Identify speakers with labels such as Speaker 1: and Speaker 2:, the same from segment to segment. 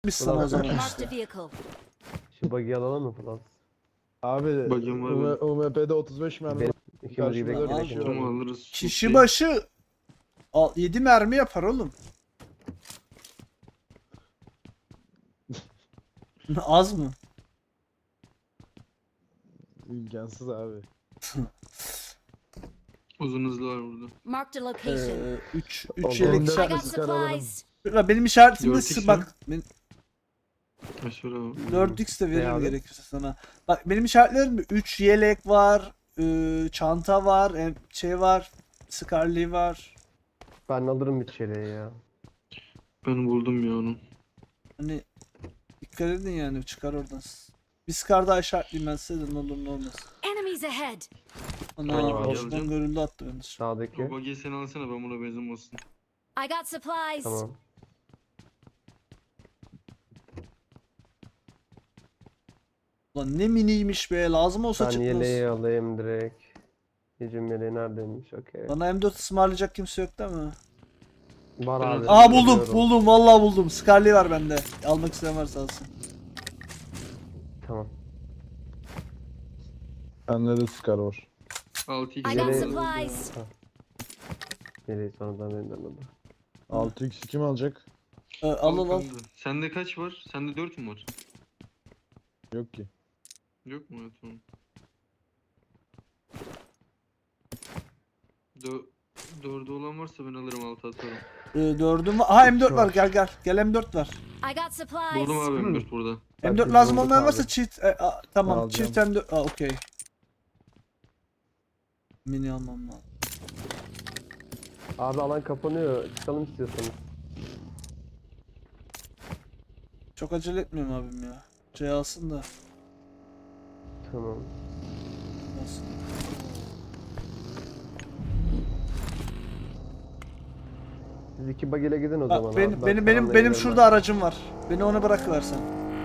Speaker 1: çıkmış sana o zaman
Speaker 2: Marked
Speaker 1: işte.
Speaker 2: a vehicle.
Speaker 3: Şu bug'i alalım mı falan?
Speaker 4: Abi
Speaker 5: Bakayım var
Speaker 4: UMP'de 35 mermi var.
Speaker 3: İkimiz
Speaker 4: Karşımıza
Speaker 3: gidelim.
Speaker 1: Tamam,
Speaker 3: direkt
Speaker 1: abi.
Speaker 5: Ama
Speaker 3: alalım.
Speaker 5: alırız.
Speaker 1: Kişi başı 7 mermi yapar oğlum. Az mı?
Speaker 4: İmkansız abi.
Speaker 5: Uzun hızlı var burada.
Speaker 2: Marked a location.
Speaker 1: 3
Speaker 3: Oldu.
Speaker 1: 3 yelek
Speaker 2: I
Speaker 1: işaret.
Speaker 2: got
Speaker 4: Çıkar alalım.
Speaker 2: supplies.
Speaker 1: Benim işaretimde
Speaker 5: 4x
Speaker 1: bak.
Speaker 5: Aşağı abi.
Speaker 1: 4x de
Speaker 3: Ne
Speaker 1: veririm
Speaker 3: abi?
Speaker 1: gerekirse sana. Bak benim işaretlerimde 3 yelek var. Çanta var. Şey var. Scarlet var.
Speaker 3: Ben alırım bir çeleği ya.
Speaker 5: Ben buldum ya onu.
Speaker 1: Hani dikkat edin yani çıkar oradan. Bir Scar daha işaretleyeyim ben size de ne olur ne olmaz.
Speaker 2: Enemies ahead.
Speaker 1: Ana
Speaker 5: Hangi
Speaker 3: bagi
Speaker 1: Osman
Speaker 5: alacaksın?
Speaker 1: görüldü attı beni.
Speaker 3: Sağdaki.
Speaker 5: O bagiyi sen alsana, ben buna benzin olsun.
Speaker 2: I got supplies.
Speaker 3: Tamam.
Speaker 1: Ulan ne miniymiş be lazım olsa
Speaker 3: Ben
Speaker 1: çıkmaz.
Speaker 3: yeleği alayım direkt. Hücum yeleği neredeymiş? Okey.
Speaker 1: Bana M4 ısmarlayacak kimse yok değil mi?
Speaker 3: Var
Speaker 5: Ben
Speaker 3: abi.
Speaker 1: Aa buldum
Speaker 3: biliyorum.
Speaker 1: buldum vallahi buldum. Scarlet var bende. Almak isteyen varsa alsın.
Speaker 3: Tamam.
Speaker 4: Bende de Scar var.
Speaker 5: 6
Speaker 2: I got
Speaker 3: Yeleği-
Speaker 2: supplies.
Speaker 3: Yeleği sonradan benden aldı.
Speaker 4: 6x kim alacak?
Speaker 1: Al.
Speaker 5: Sende kaç var? Sende 4 mü var?
Speaker 4: Yok ki.
Speaker 5: Yok mu? Evet, tamam. 4'ü olan varsa ben alırım, 6 atarım.
Speaker 1: 4'üm var. Aha M4
Speaker 3: Üç
Speaker 1: var
Speaker 3: var.
Speaker 1: gel. Gel M4 var.
Speaker 2: I got supplies.
Speaker 5: Buldum abi M4 burada.
Speaker 1: M4
Speaker 3: Herkes
Speaker 1: lazım
Speaker 3: bulduk
Speaker 1: olmayan
Speaker 3: abi.
Speaker 1: varsa cheat. Tamam
Speaker 4: Alacağım.
Speaker 1: cheat M4. Okey. Mini almam lazım.
Speaker 3: Abi alan kapanıyor. Çıkalım istiyorsanız.
Speaker 1: Çok acele etmiyorum abim ya. Şey alsın da.
Speaker 3: Tamam.
Speaker 1: Alsın.
Speaker 3: Siz iki bug ile gidin o zaman.
Speaker 1: Bak,
Speaker 3: abi.
Speaker 1: benim
Speaker 3: Ben
Speaker 1: benim
Speaker 3: kalanla
Speaker 1: benim
Speaker 3: geliyorum
Speaker 1: şurada aracım var. Beni ona bırakıversen.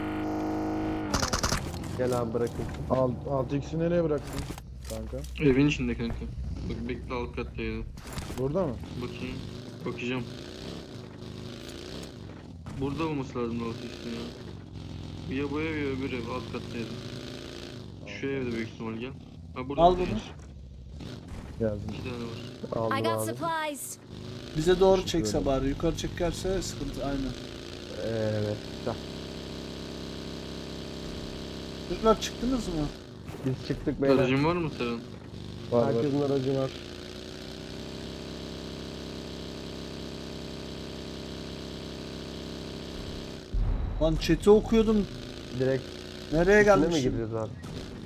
Speaker 3: ben. Gel abi bırakın.
Speaker 4: 6x'i nereye bıraktın kanka?
Speaker 5: Evin içinde kanka. Bak bekle, alt kattaydı.
Speaker 4: Burada mı?
Speaker 5: Bakayım. Bakacağım. Burada olması lazım alt üstü ya. Ya bu ev ya öbür ev, alt kattaydı. Şu evde büyük ihtimal, gel. Ha burada
Speaker 1: Al
Speaker 5: bir-
Speaker 1: bunu.
Speaker 4: Geldim.
Speaker 5: 2 tane var.
Speaker 3: Aldım
Speaker 2: I got
Speaker 3: abi.
Speaker 2: supplies.
Speaker 1: Bize doğru
Speaker 4: Teşekkür
Speaker 1: çekse
Speaker 4: ederim.
Speaker 1: bari. Yukarı çekerse sıkıntı aynen.
Speaker 3: Evet. Güzel.
Speaker 1: Çocuklar çıktınız mı?
Speaker 3: Biz çıktık beyler.
Speaker 5: Aracın var mı Seren?
Speaker 4: Var var.
Speaker 3: Herkesin aracı var.
Speaker 1: Lan chat'i okuyordum.
Speaker 3: Direkt
Speaker 1: Nereye
Speaker 3: üstüne mi
Speaker 1: gelmişim?
Speaker 3: gidiyoruz abi?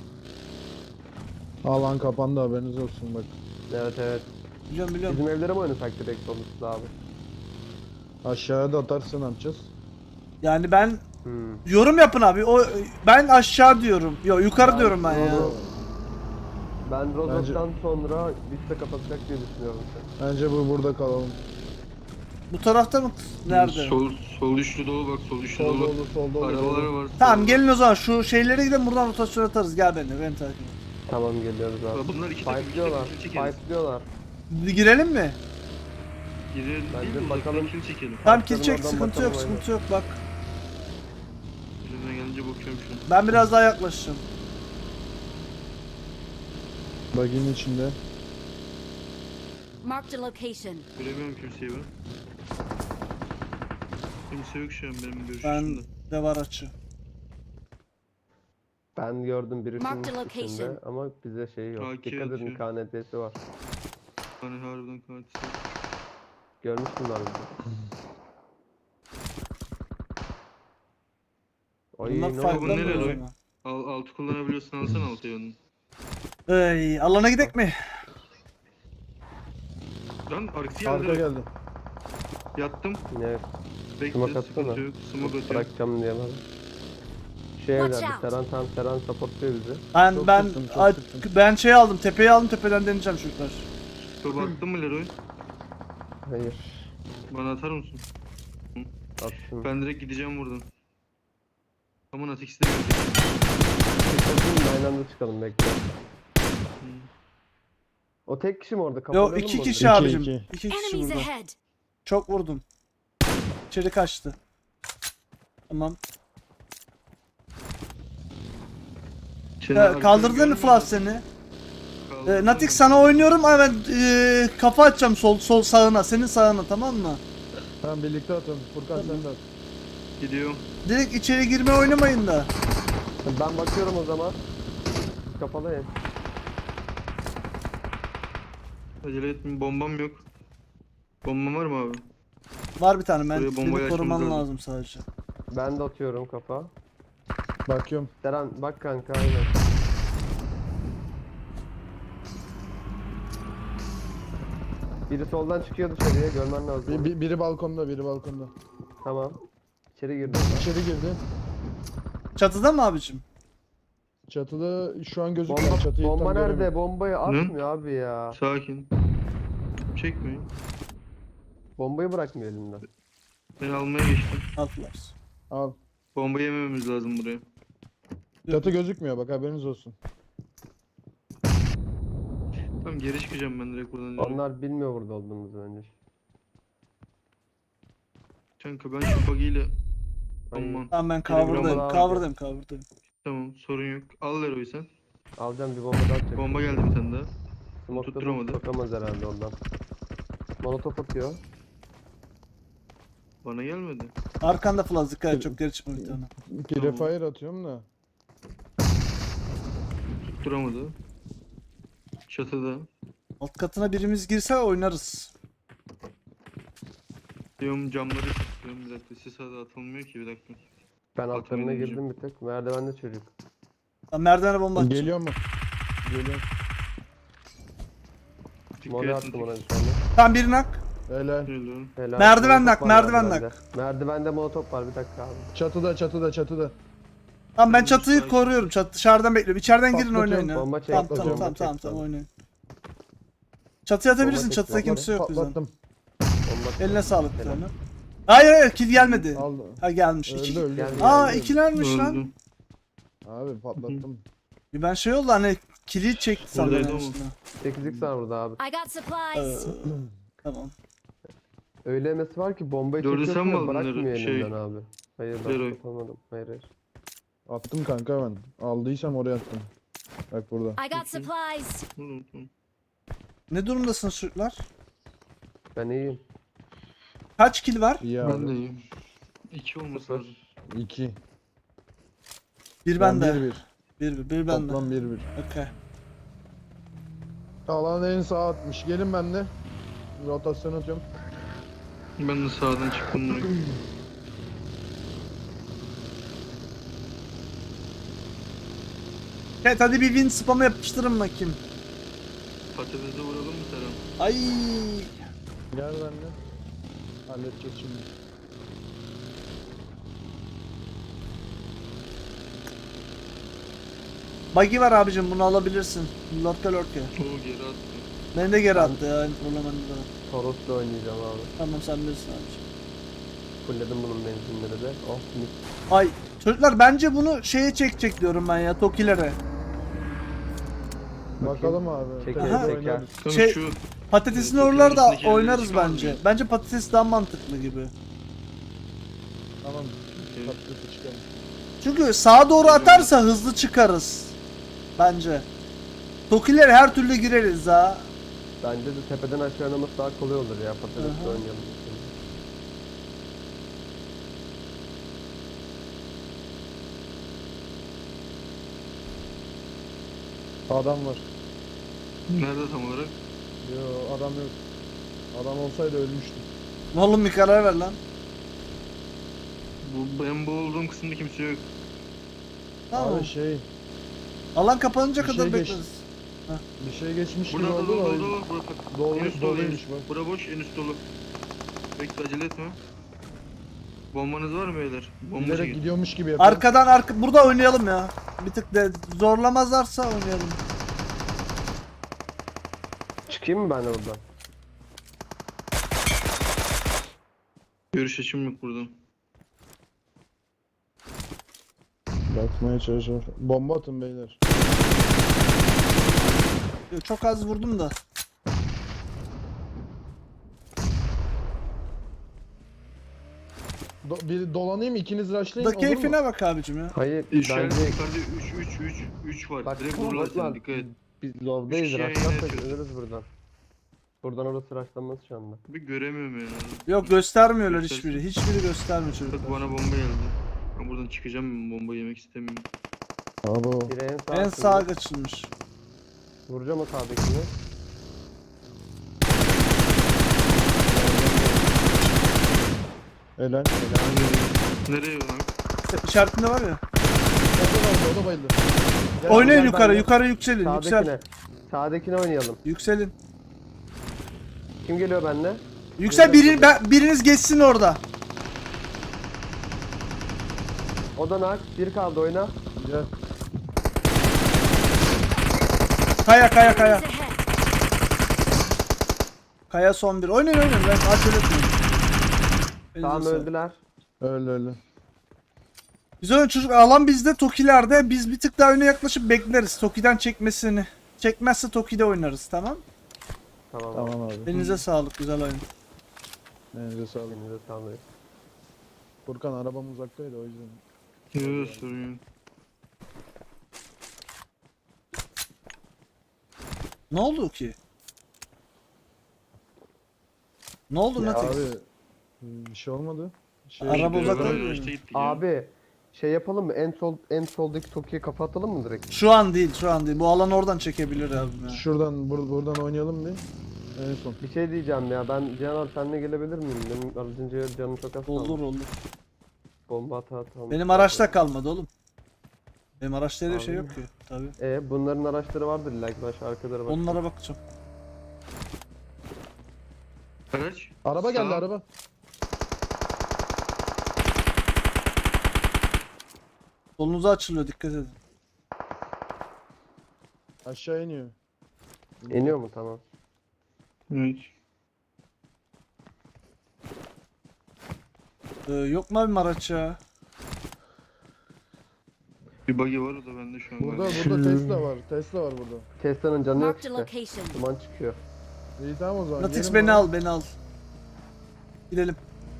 Speaker 4: Alan kapandı, haberiniz olsun bak.
Speaker 3: Evet.
Speaker 1: Biliyorum.
Speaker 3: Bizim evlere mi oynasak direkt sonuçta abi?
Speaker 4: Aşağıya da atarsan ne yapacağız?
Speaker 1: Yani ben
Speaker 3: Hmm.
Speaker 1: yorum yapın abi. Ben aşağı diyorum. Yok yukarı diyorum ben ya.
Speaker 3: Ben Rozok'tan sonra liste kapatacak diye düşünüyorum.
Speaker 4: Bence burada kalalım.
Speaker 1: Bu tarafta mı? Nerede?
Speaker 5: Sol üçlü dolu bak, sol üçlü
Speaker 4: Sol
Speaker 5: dolu.
Speaker 4: dolu, sol dolu.
Speaker 5: Arabalar var.
Speaker 1: Tamam
Speaker 5: sol-
Speaker 1: gelin o zaman şu şeylere gidelim buradan rotasyon atarız. Gel benimle beni takip et.
Speaker 3: Tamam geliyoruz abi.
Speaker 5: Bak bunlar iki takım,
Speaker 3: Fightlıyorlar.
Speaker 5: kill çekelim.
Speaker 3: Fightlıyorlar.
Speaker 1: Girelim mi?
Speaker 5: Girelim
Speaker 3: Bence
Speaker 5: değil de
Speaker 3: bakalım.
Speaker 5: bakalım kill çekelim.
Speaker 1: Tamam kill
Speaker 3: Bakalım
Speaker 1: çek
Speaker 3: oradan
Speaker 1: sıkıntı yok
Speaker 3: bakalım,
Speaker 1: sıkıntı yok bak.
Speaker 5: Elimden gelince bakıyorum şu an.
Speaker 1: Ben biraz daha yaklaşacağım.
Speaker 4: Baginin içinde.
Speaker 2: Marked a location.
Speaker 5: Göremiyorum kimseyi ben. Kimse yok şu an benim görüş
Speaker 1: Ben
Speaker 5: dışında.
Speaker 1: de var açı.
Speaker 3: Ben gördüm birisinin
Speaker 2: Mark the location.
Speaker 3: içinde ama bize şey yok.
Speaker 5: AK
Speaker 3: Dikkat edin
Speaker 5: atıyor.
Speaker 3: KNT'si var.
Speaker 5: Hani harbiden katil.
Speaker 3: Görmüş bunlar bizi. Ay
Speaker 1: Bunlar
Speaker 3: ne
Speaker 1: farklı
Speaker 3: oldu?
Speaker 5: nereye
Speaker 1: mı o
Speaker 5: lan?
Speaker 1: zaman?
Speaker 5: Altı kullanabiliyorsun, alsana altı yönünü.
Speaker 1: Ey alana gidek mi?
Speaker 5: Lan arkası
Speaker 4: Arka
Speaker 5: geldi.
Speaker 4: geldi.
Speaker 5: Yattım.
Speaker 3: Ne
Speaker 5: Bekle,
Speaker 3: Smoke
Speaker 5: sıkıntı
Speaker 3: atsana.
Speaker 5: yok. Smoke atıyorum.
Speaker 3: bırakacağım diye bana. Şey
Speaker 2: Watch
Speaker 3: evlerdi.
Speaker 2: out.
Speaker 3: Seren supportluyor bizi.
Speaker 1: Ben
Speaker 4: Çok sıktım, çok sıktım.
Speaker 1: ben şey aldım tepeyi aldım tepeden deneyeceğim çocuklar.
Speaker 5: Topu attın mı Leroy?
Speaker 3: Hayır.
Speaker 5: Bana atar mısın?
Speaker 3: Attım.
Speaker 5: Ben direkt gideceğim buradan. Aman at, ikisi de gelecek.
Speaker 3: Çıkalım aynı anda çıkalım bekle.
Speaker 5: Hmm.
Speaker 3: O tek kişi mi orada? Kapatalım
Speaker 1: Yok iki
Speaker 3: mı?
Speaker 1: kişi
Speaker 4: İki,
Speaker 1: abicim.
Speaker 4: iki.
Speaker 1: İki kişi
Speaker 2: Enemies
Speaker 1: burada.
Speaker 2: ahead.
Speaker 1: Çok vurdum. İçeri kaçtı. Tamam.
Speaker 5: Seni
Speaker 1: Kaldırdın mı
Speaker 5: arkadan
Speaker 1: Flav seni?
Speaker 5: Kaldırdım.
Speaker 1: Natik sana oynuyorum ama ben kafa atacağım sol sağına, senin sağına, tamam mı?
Speaker 4: Tamam birlikte atalım. Furkan sen de at.
Speaker 5: Gidiyorum.
Speaker 1: Direkt içeri girme oynamayın da.
Speaker 3: Ben bakıyorum o zaman. Kapalı ya.
Speaker 5: Acele etme, bombam yok. Bombam var mı abi?
Speaker 1: Var bir tane, ben
Speaker 5: Buraya bombayı
Speaker 1: seni koruman
Speaker 5: açmamız
Speaker 1: lazım sadece.
Speaker 3: Ben de atıyorum kafa.
Speaker 4: Bakıyorum.
Speaker 3: Deren bak kanka aynen. Biri soldan çıkıyor dışarıya görmen lazım.
Speaker 4: Biri balkonda, biri balkonda.
Speaker 3: Tamam. İçeri girdi.
Speaker 4: İçeri girdi.
Speaker 1: Çatıda mı abicim?
Speaker 4: Çatıda şu an gözükmüyor.
Speaker 3: Bomba,
Speaker 4: Çatıyı
Speaker 3: bomba
Speaker 4: tam
Speaker 3: nerede?
Speaker 4: göremiyorum.
Speaker 3: Bombayı atmıyor abi ya.
Speaker 5: Sakin. Çekmeyin.
Speaker 3: Bombayı bırakmıyor elinden.
Speaker 5: Ben almaya geçtim.
Speaker 1: Atlar.
Speaker 4: Al.
Speaker 5: Bomba yemememiz lazım buraya.
Speaker 4: Çatı gözükmüyor bak haberiniz olsun.
Speaker 5: Tamam, geri çıkacağım ben direkt buradan.
Speaker 3: Onlar bilmiyor burada olduğumuzu bence.
Speaker 5: Kanka ben şu buggy'yle...
Speaker 3: Ay.
Speaker 5: Aman.
Speaker 1: Tamam, ben
Speaker 5: Telegram
Speaker 1: cover'dayım.
Speaker 3: abi.
Speaker 1: Cover'dayım.
Speaker 5: Tamam, sorun yok. Al Leroy sen.
Speaker 3: Alacağım bir bomba daha atacak.
Speaker 5: Bomba geldi bir tane daha.
Speaker 3: Smoke'da
Speaker 5: tutturamadı.
Speaker 3: sokamaz herhalde ondan. Molotof atıyor.
Speaker 5: Bana gelmedi.
Speaker 1: Arkanda Flaz, dikkat et, çok geri çıkma bir tane.
Speaker 4: Prefire atıyorum da.
Speaker 5: Tutturamadı. Çatıda.
Speaker 1: Alt katına birimiz girse oynarız.
Speaker 5: Diyorum camları tutuyorum bir dakika. Sis adı atılmıyor ki, bir dakika.
Speaker 3: Ben altlarına
Speaker 5: Atmayın
Speaker 3: girdim bir tek. Merdivende çocuk.
Speaker 1: Tamam, merdivene bomba atacağım.
Speaker 4: Geliyor mu? Geliyor.
Speaker 5: Dikkat
Speaker 3: Mole
Speaker 5: edin,
Speaker 3: attım ona
Speaker 5: dikkat
Speaker 3: bir tane.
Speaker 1: Tamam, birini hak.
Speaker 4: Helal.
Speaker 5: edin.
Speaker 3: Helal.
Speaker 1: Merdiven
Speaker 3: Molotof
Speaker 1: nak,
Speaker 3: var
Speaker 1: merdiven
Speaker 3: merdivende. Merdivende molotof var bir dakika abi.
Speaker 4: Çatıda.
Speaker 1: Tamam, ben
Speaker 5: Tamam,
Speaker 1: çatıyı
Speaker 5: sakin.
Speaker 1: koruyorum. Dışarıdan bekliyorum. İçeriden girin,
Speaker 4: Patlatıyorum,
Speaker 1: oynayın ya.
Speaker 3: bomba çek,
Speaker 1: Tamam,
Speaker 3: patlatıyorum,
Speaker 1: tamam,
Speaker 3: bomba çek,
Speaker 1: tamam,
Speaker 3: tamam.
Speaker 1: oynayın. Çatıya atabilirsin.
Speaker 3: Bomba
Speaker 1: Çatıda
Speaker 3: çek,
Speaker 1: kimse yok bizden.
Speaker 4: Patlattım.
Speaker 3: Bomba
Speaker 1: Eline sağlık bir
Speaker 3: Helal.
Speaker 1: tane. Hayır, kill gelmedi.
Speaker 4: Aldı.
Speaker 1: Ha, gelmiş.
Speaker 4: Öldü öldü.
Speaker 3: Geldi.
Speaker 1: Aa,
Speaker 3: Geldi.
Speaker 1: ikilermiş lan.
Speaker 5: Öldü.
Speaker 4: Abi patlattım.
Speaker 1: Ben şey oldu, hani kili çekti sandım.
Speaker 5: Buradaydı
Speaker 1: en
Speaker 5: ama.
Speaker 1: başında.
Speaker 3: 8x var burada abi.
Speaker 2: I got supplies.
Speaker 1: Tamam.
Speaker 3: Öyle emesi var ki bombayı
Speaker 5: Dördü
Speaker 3: çekiyorsun
Speaker 5: sen mi
Speaker 3: ya
Speaker 5: aldın
Speaker 3: bırakmıyor
Speaker 5: Leroy? Şey,
Speaker 3: elinden abi. Hayır ben
Speaker 5: Leroy.
Speaker 3: yapamadım. Hayır.
Speaker 4: Attım kanka ben. Aldıysam oraya attım. Bak burada.
Speaker 2: I got supplies.
Speaker 5: Tamam, tamam.
Speaker 1: Ne durumdasın çocuklar?
Speaker 3: Ben iyiyim.
Speaker 1: Kaç kill var?
Speaker 4: İyi
Speaker 5: Ben de
Speaker 4: abi.
Speaker 5: iyiyim. 2 olması
Speaker 3: Sıfır.
Speaker 5: lazım.
Speaker 4: 2.
Speaker 1: Bir
Speaker 4: Ben
Speaker 1: bende.
Speaker 4: 1-1.
Speaker 1: Bir bende.
Speaker 4: Toplam 1-1.
Speaker 1: Okey.
Speaker 4: Alan en sağa atmış. Gelin bende. Rotasyon atıyorum.
Speaker 5: Ben de sağdan çıktım buraya.
Speaker 1: Evet, hadi bir win spamı yapıştırın bakayım.
Speaker 5: Patatese vuralım mı Serhan?
Speaker 1: Ay.
Speaker 4: Gel bende. Halledeceğiz şimdi.
Speaker 1: Buggy var abicim, bunu alabilirsin. Lorka.
Speaker 5: Oo, geri attı.
Speaker 1: Beni de geri attı ya. Problematik var.
Speaker 3: Toros'la oynayacağım abi.
Speaker 1: Tamam, sen bilirsin abicim.
Speaker 3: Fulledim bunun benzinleri de. Oh mis.
Speaker 1: Ay çocuklar, bence bunu şeye çekecek diyorum ben ya, Tokilere.
Speaker 4: Bakalım abi.
Speaker 3: Çeker,
Speaker 4: Tekrar
Speaker 3: çeker.
Speaker 4: oynarız.
Speaker 5: Tamam,
Speaker 1: Şey-
Speaker 5: şu
Speaker 1: Patatesin
Speaker 5: Tokilerin
Speaker 1: oralarda
Speaker 5: üstündeki yerleri
Speaker 1: oynarız
Speaker 5: çıkamaz
Speaker 1: bence.
Speaker 5: mıyız?
Speaker 1: Bence patates daha mantıklı gibi.
Speaker 4: Tamam. Patatesi çıkalım.
Speaker 1: Çünkü sağa doğru atarsa hızlı çıkarız. Bence. Tokilere her türlü gireriz ha.
Speaker 3: Bence de tepeden aşağı oynaması daha kolay olur ya. Patatesle
Speaker 1: Aha.
Speaker 3: oynayalım.
Speaker 4: Adam var.
Speaker 5: nerede tam olarak?
Speaker 4: Yo adam yok. Adam olsaydı ölmüştüm.
Speaker 1: Oğlum bir karar ver lan.
Speaker 5: Ben bu olduğum kısımda kimse yok.
Speaker 1: Tamam.
Speaker 4: Abi şey
Speaker 1: Alan kapanınca
Speaker 4: bir
Speaker 1: kadar
Speaker 4: şey
Speaker 1: bekleriz.
Speaker 4: geçti. bir şey geçmiş gibi
Speaker 5: Burada
Speaker 4: oldu
Speaker 5: dolu
Speaker 4: da.
Speaker 5: dolu dolu. Bura,
Speaker 4: Dolu-
Speaker 5: en üst dolu, en
Speaker 4: doluymuş
Speaker 5: üst.
Speaker 4: bak.
Speaker 5: Bura boş, en üst dolu. Bekle, acele etme. Bombanız var mı beyler? Bomba
Speaker 4: Bilerek
Speaker 5: çekin.
Speaker 4: gidiyormuş gibi yapıyor.
Speaker 1: Arkadan burada oynayalım ya. Bir tık de zorlamazlarsa oynayalım.
Speaker 3: Çıkayım mı ben de buradan?
Speaker 5: Görüş açım yok buradan.
Speaker 4: Bakmaya çalışıyor. Bomba atın beyler.
Speaker 1: Çok az vurdum da.
Speaker 4: Bir dolanayım, ikiniz rushlayın,
Speaker 1: Da
Speaker 4: olur mu?
Speaker 1: keyfine bak abicim ya.
Speaker 3: Hayır
Speaker 5: İşaret
Speaker 3: bence
Speaker 5: yukarıda 3 var.
Speaker 3: bak
Speaker 5: Direkt
Speaker 3: bak
Speaker 5: vururlar
Speaker 3: var.
Speaker 5: seni, dikkat et.
Speaker 3: Biz lovdayız.
Speaker 5: Üç kişiye
Speaker 3: Rushlarsak
Speaker 5: yine
Speaker 3: ölürüz buradan. Buradan orası rushlanmaz şu anda.
Speaker 5: Bir göremiyorum yani.
Speaker 1: Yok göstermiyorlar
Speaker 5: Göstersin.
Speaker 1: hiçbiri. Hiçbiri göstermiyor
Speaker 5: Bak
Speaker 1: çocuklar.
Speaker 5: bana bomba geldi. Ben buradan çıkacağım, bomba yemek istemiyorum.
Speaker 4: Abo.
Speaker 3: Biri en sağ.
Speaker 1: En sağa kaçılmış.
Speaker 3: Vuracağım o sağdakini.
Speaker 4: Helal.
Speaker 5: Nereye lan?
Speaker 1: İşaretinde var ya.
Speaker 4: O da bayıldı. Gel,
Speaker 1: Oynayın
Speaker 3: gel
Speaker 1: yukarı,
Speaker 3: benimle.
Speaker 1: yukarı yükselin, yüksel.
Speaker 3: Sağdakine. Sağdakine oynayalım.
Speaker 1: Yükselin.
Speaker 3: Kim geliyor benimle?
Speaker 1: Yüksel biriniz geçsin orada.
Speaker 3: O da nak. Bir kaldı oyna.
Speaker 4: Gel.
Speaker 1: Kaya.
Speaker 2: Enemies ahead.
Speaker 1: Kaya son bir. Oynayın ben acele etmeyin.
Speaker 3: Tamam
Speaker 1: Elinize sağlık.
Speaker 3: öldüler.
Speaker 4: Öyle.
Speaker 1: Güzel oyun çocuk. Alan bizde, Toki'lerde. Biz bir tık daha öne yaklaşıp bekleriz. Toki'den çekmesini. Çekmezse Toki'de oynarız, tamam?
Speaker 3: Tamam.
Speaker 4: Tamam abi.
Speaker 1: Elinize sağlık, güzel oyun.
Speaker 4: Elinize sağlık.
Speaker 3: Elinize sağlık.
Speaker 4: Furkan arabam uzaktaydı o yüzden.
Speaker 5: Yok sorun yok.
Speaker 1: Ne oldu ki? Ne oldu
Speaker 3: Ya
Speaker 1: Natix?
Speaker 4: Abi bir şey olmadı.
Speaker 1: Araba
Speaker 5: Beraber
Speaker 1: uzakta
Speaker 5: aynı
Speaker 1: mı?
Speaker 5: araçta gittik ya.
Speaker 3: Abi şey yapalım mı? En soldaki Toki'ye kafa atalım mı direkt?
Speaker 1: Şu an değil. Bu alan oradan çekebilir abi. Ya.
Speaker 4: Şuradan buradan oynayalım bir. En son.
Speaker 3: Bir şey diyeceğim ya. Ben Cihan abi seninle gelebilir miyim? Benim aracınca canım çok az kaldı.
Speaker 1: Olur.
Speaker 3: Bomba atalım.
Speaker 1: Benim araçta kalmadı oğlum. Benim araçta öyle bir şey
Speaker 3: Abi.
Speaker 1: yok ki. Tabii.
Speaker 3: Bunların araçları vardır illa ki. Baş arkaları bak.
Speaker 1: Onlara bakacağım.
Speaker 5: Araç.
Speaker 4: Araba geldi
Speaker 5: Sağ.
Speaker 4: araba.
Speaker 1: Solunuza açılıyor, dikkat edin.
Speaker 4: Aşağı iniyor.
Speaker 3: İniyor mu? Tamam.
Speaker 5: Evet.
Speaker 1: Yok mu abim araç ya?
Speaker 5: Bir buggy var, o da bende şu an.
Speaker 4: Burada
Speaker 5: galiba.
Speaker 4: Tesla var. Tesla var burada.
Speaker 3: Tesla'nın canı yok
Speaker 2: Marked a
Speaker 3: işte.
Speaker 2: location.
Speaker 3: Duman çıkıyor.
Speaker 4: İyi tamam o zaman.
Speaker 1: Natix
Speaker 4: gelin
Speaker 1: beni
Speaker 4: bana.
Speaker 1: al. Gidelim.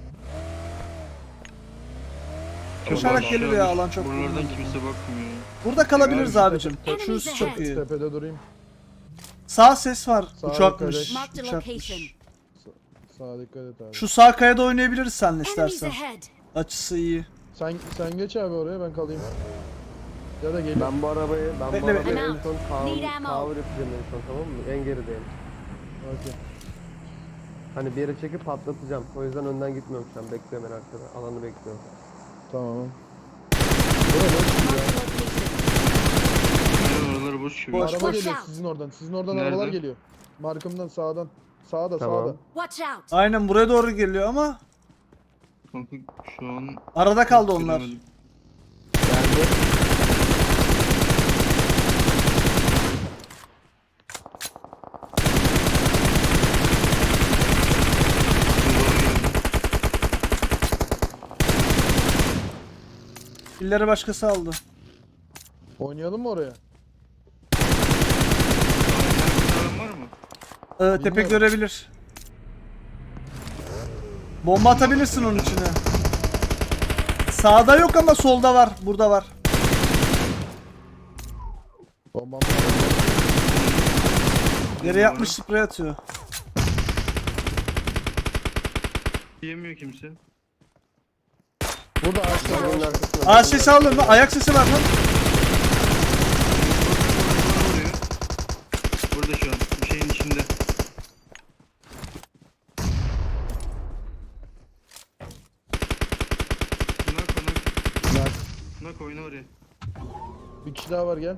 Speaker 1: Koşarak
Speaker 5: Aşağı
Speaker 1: gelir ya,
Speaker 5: düş.
Speaker 1: alan çok
Speaker 5: Buralardan
Speaker 1: bulunmaz.
Speaker 5: kimse bakmıyor.
Speaker 1: Burada kalabiliriz
Speaker 5: Abi,
Speaker 1: abicim.
Speaker 2: Enemies
Speaker 1: Şurası çok
Speaker 2: ahead.
Speaker 1: iyi.
Speaker 4: Tepede durayım.
Speaker 1: Sağ ses var.
Speaker 4: Sağ
Speaker 1: Uçakmış.
Speaker 4: dikkat
Speaker 2: Marked a
Speaker 1: Uçakmış.
Speaker 2: location.
Speaker 4: Sağa dikkat et abi.
Speaker 1: Şu sağ kayada oynayabiliriz seninle
Speaker 2: Enemies
Speaker 1: istersen.
Speaker 2: ahead.
Speaker 1: Açısı iyi.
Speaker 4: Sen geç abi oraya, ben kalayım. Ya da gelin.
Speaker 3: Ben bu arabayı
Speaker 1: Bekle,
Speaker 3: en
Speaker 1: bekle.
Speaker 3: son
Speaker 2: Need ammo.
Speaker 3: cover yapacağım en son, tamam mı? En gerideyim.
Speaker 4: Okey.
Speaker 3: Hani bir yere çekip patlatacağım. O yüzden önden gitmiyorum şu an. Bekliyorum en arkada. Alanı bekliyorum.
Speaker 4: Tamam.
Speaker 2: Marked a location.
Speaker 5: Yani oralar boş gibi.
Speaker 1: Boş.
Speaker 4: Araba
Speaker 2: Watch
Speaker 4: geliyor
Speaker 2: out.
Speaker 4: sizin oradan. Sizin oradan
Speaker 5: Nerede?
Speaker 4: arabalar geliyor. Markımdan sağdan. Sağda
Speaker 3: Tamam.
Speaker 4: sağda.
Speaker 2: Watch out.
Speaker 1: Aynen buraya doğru geliyor ama
Speaker 5: Kanka şu an
Speaker 1: arada kaldı onlar.
Speaker 5: göremedim.
Speaker 3: Geldi.
Speaker 1: Pilleri başkası aldı.
Speaker 4: Oynayalım mı oraya?
Speaker 5: Sağdan var mı?
Speaker 1: Tepe
Speaker 4: Bilmiyorum.
Speaker 1: görebilir. Bomba atabilirsin onun içine. Sağda yok ama solda var. Burada var.
Speaker 4: Bombam.
Speaker 1: Yere yapmış, sprey atıyor.
Speaker 5: Yemiyor kimse.
Speaker 4: Burada ağaçta
Speaker 3: Arabanın
Speaker 4: var.
Speaker 3: arkasına.
Speaker 1: Aa sesi aldım lan. Ayak sesi var lan.
Speaker 5: Vuruyor. Burada şu an. Bir şeyin içinde. Nak. Nak oyna oraya.
Speaker 4: Bir kişi daha var, gel.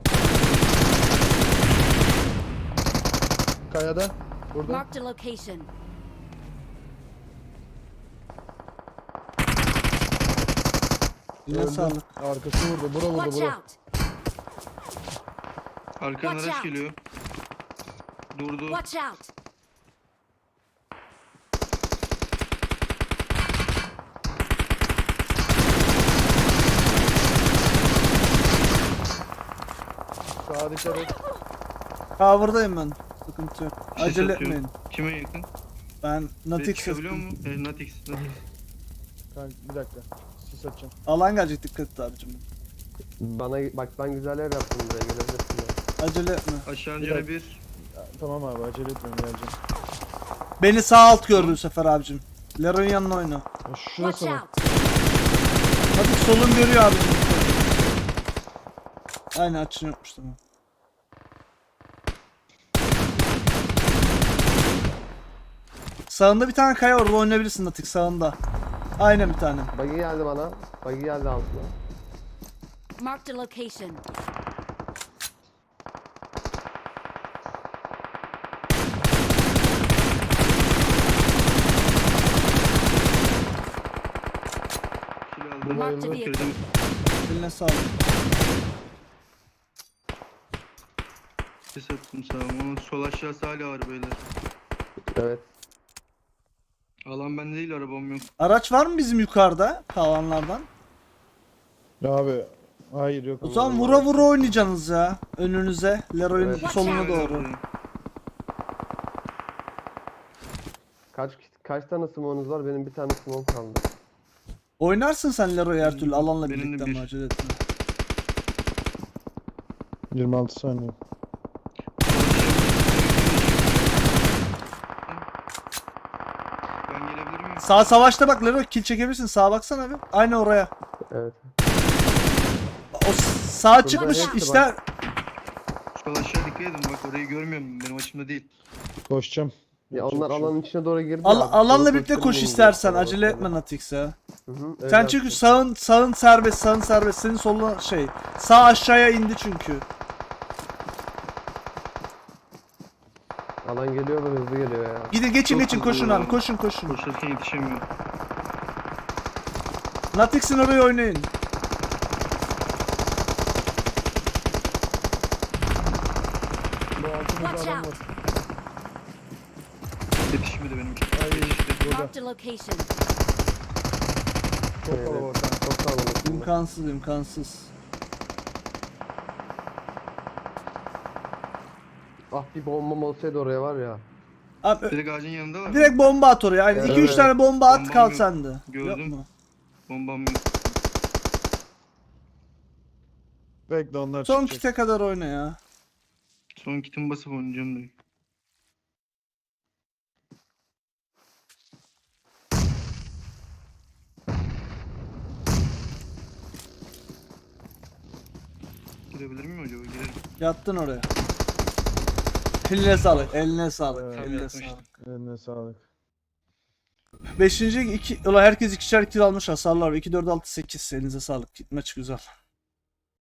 Speaker 4: Kayada. Burada.
Speaker 2: Marked a location.
Speaker 1: Yine
Speaker 4: Öldü.
Speaker 1: sağlık.
Speaker 4: Arkası vurdu. Bura vurdu
Speaker 2: Watch
Speaker 4: bura.
Speaker 2: out.
Speaker 5: Arkadan
Speaker 2: Watch
Speaker 5: araç
Speaker 2: out.
Speaker 5: geliyor. Durdu.
Speaker 2: Watch out.
Speaker 4: Sağa dikkat et.
Speaker 1: Cover'dayım ben. Sıkıntı yok.
Speaker 5: Ses
Speaker 1: Acele
Speaker 5: atıyorum.
Speaker 1: etmeyin.
Speaker 5: Kime yakın?
Speaker 1: Ben Natix
Speaker 5: Çıkabiliyor mu? Natix.
Speaker 4: Kanka bir dakika. Sis atacağım.
Speaker 1: Alan gelecek, dikkat et abicim.
Speaker 3: Bana bak, ben güzel yer yaptım buraya, gelebilirsin ya.
Speaker 1: Acele etme.
Speaker 5: Aşağı
Speaker 4: Bir
Speaker 5: canı
Speaker 4: dakika.
Speaker 5: bir.
Speaker 4: Tamam abi acele etmiyorum geleceğim.
Speaker 1: Beni sağ alt gördü bu sefer abicim. Leroy'un yanına oyna.
Speaker 4: Ya
Speaker 2: Watch
Speaker 4: şurası mı?
Speaker 2: out!
Speaker 1: Hadi solun görüyor abicim. Aynen açın yokmuş tamam. Sağında bir tane kaya, orada oynayabilirsin Natik, sağında. Aynen bir tane.
Speaker 3: Buggy geldi bana. Buggy geldi altına.
Speaker 2: Marked a location.
Speaker 5: Kill aldım.
Speaker 2: Marked a vehicle.
Speaker 5: Kırdım.
Speaker 1: Eline sağlık.
Speaker 5: Ses attım sağa. Onun sol aşağısı hala var beyler.
Speaker 3: Evet.
Speaker 5: Alan bende değil, arabam yok.
Speaker 1: Araç var mı bizim yukarıda kalanlardan?
Speaker 4: Ya abi. Hayır yok.
Speaker 1: O zaman vura vura oynayacaksınız ya. Önünüze. Leroy'un
Speaker 3: Evet.
Speaker 1: soluna
Speaker 2: Watch
Speaker 1: doğru.
Speaker 3: Kaç tane smoke'unuz var? Benim bir tane smoke kaldı.
Speaker 1: Oynarsın sen Leroy her türlü alanla
Speaker 5: Benim de
Speaker 1: birlikte
Speaker 5: bir.
Speaker 1: ama acele etme.
Speaker 4: 26 saniye.
Speaker 5: Ben gelebilir miyim?
Speaker 1: Sağ savaşta bak Leroy, kill çekebilirsin. Sağa baksana bir. Aynı oraya.
Speaker 3: Evet.
Speaker 1: O sağ çıkmış
Speaker 3: hepsi
Speaker 1: işte.
Speaker 5: Sol aşağı dikkat edin, bak orayı görmüyorum, benim açımda değil.
Speaker 4: Koşacağım.
Speaker 3: Ya
Speaker 4: Yapacak
Speaker 3: onlar
Speaker 4: bir şey yok.
Speaker 3: alanın içine doğru girdi.
Speaker 1: Alanla birlikte koş istersen. Acele etme Natix ya. Sen çünkü sağın serbest, sağın serbest. Senin soluna şey. Sağ aşağıya indi çünkü.
Speaker 3: Alan geliyor ve hızlı geliyor ya.
Speaker 1: Gidin geçin
Speaker 5: Çok
Speaker 1: geçin,
Speaker 5: hızlı
Speaker 1: koşun
Speaker 5: ya.
Speaker 1: abi, koşun koşun.
Speaker 5: Koşarken yetişemiyorum.
Speaker 1: Natix'in oraya oynayın.
Speaker 4: Bu altımızda
Speaker 2: Watch
Speaker 4: adam
Speaker 2: out.
Speaker 4: var.
Speaker 5: Yetişmedi benim için.
Speaker 4: Ay
Speaker 5: Yetişti.
Speaker 4: burada.
Speaker 2: Marked a location.
Speaker 4: Çok kalabalık. kanka.
Speaker 3: Çok kalabalık.
Speaker 1: İmkansız imkansız.
Speaker 3: Ah, bir bombam olsaydı oraya var ya.
Speaker 1: Abi
Speaker 5: Direkt ağacın yanında var.
Speaker 1: direkt bomba at oraya. Aynen.
Speaker 3: Evet.
Speaker 1: 2-3 tane bomba at,
Speaker 5: Bombam
Speaker 1: kal
Speaker 5: yok.
Speaker 1: sende. Yok
Speaker 5: Gördüm.
Speaker 1: mu?
Speaker 5: Bombam yok.
Speaker 4: Bekle onlar
Speaker 1: Son
Speaker 4: çıkacak.
Speaker 1: kite kadar oyna ya.
Speaker 5: Son kitimi basıp oynayacağım da. Girebilir miyim acaba? Girerim.
Speaker 1: Yattın oraya. Eline sağlık, eline sağlık,
Speaker 4: Evet.
Speaker 1: eline
Speaker 5: Yatmıştım.
Speaker 1: sağlık.
Speaker 4: Eline sağlık.
Speaker 1: 5. 2 ulan herkes ikişer kill almış, hasarlar 2 4 6 8. Elinize sağlık. Maç güzel.